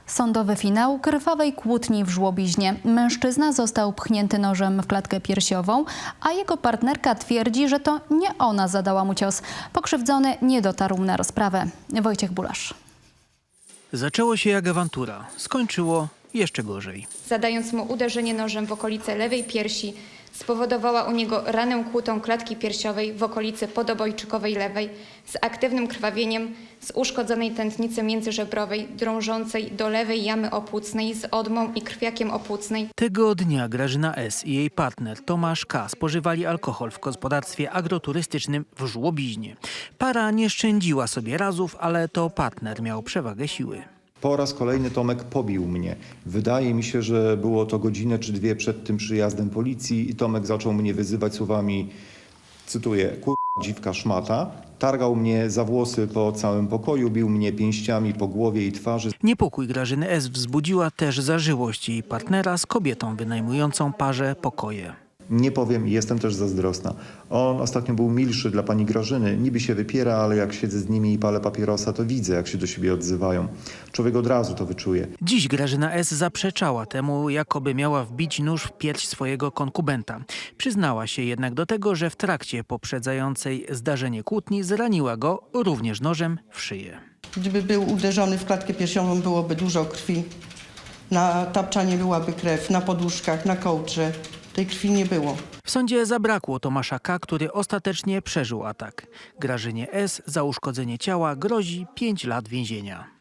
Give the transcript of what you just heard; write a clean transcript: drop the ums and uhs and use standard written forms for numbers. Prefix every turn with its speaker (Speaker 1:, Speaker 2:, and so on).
Speaker 1: Sądowy finał krwawej kłótni w Żłobiźnie. Mężczyzna został pchnięty nożem w klatkę piersiową, a jego partnerka twierdzi, że to nie ona zadała mu cios. Pokrzywdzony nie dotarł na rozprawę. Wojciech Bulasz.
Speaker 2: Zaczęło się jak awantura, skończyło jeszcze gorzej.
Speaker 3: Zadając mu uderzenie nożem w okolice lewej piersi, spowodowała u niego ranę kłutą klatki piersiowej w okolicy podobojczykowej lewej z aktywnym krwawieniem z uszkodzonej tętnicy międzyżebrowej drążącej do lewej jamy opłucnej z odmą i krwiakiem opłucnej.
Speaker 2: Tego dnia Grażyna S. i jej partner Tomasz K. spożywali alkohol w gospodarstwie agroturystycznym w Żłobiźnie. Para nie szczędziła sobie razów, ale to partner miał przewagę siły.
Speaker 4: Po raz kolejny Tomek pobił mnie. Wydaje mi się, że było to godzinę czy dwie przed tym przyjazdem policji i Tomek zaczął mnie wyzywać słowami, cytuję, dziwka szmata. Targał mnie za włosy po całym pokoju, bił mnie pięściami po głowie i twarzy.
Speaker 2: Niepokój Grażyny S. wzbudziła też zażyłość jej partnera z kobietą wynajmującą parze pokoje.
Speaker 4: Nie powiem, jestem też zazdrosna. On ostatnio był milszy dla pani Grażyny. Niby się wypiera, ale jak siedzę z nimi i palę papierosa, to widzę, jak się do siebie odzywają. Człowiek od razu to wyczuje.
Speaker 2: Dziś Grażyna S. zaprzeczała temu, jakoby miała wbić nóż w pierś swojego konkubenta. Przyznała się jednak do tego, że w trakcie poprzedzającej zdarzenie kłótni zraniła go również nożem w szyję.
Speaker 5: Gdyby był uderzony w klatkę piersiową, byłoby dużo krwi. Na tapczanie byłaby krew, na poduszkach, na kołdrze. Tej krwi nie było.
Speaker 2: W sądzie zabrakło Tomasza K., który ostatecznie przeżył atak. Grażynie S. za uszkodzenie ciała grozi 5 lat więzienia.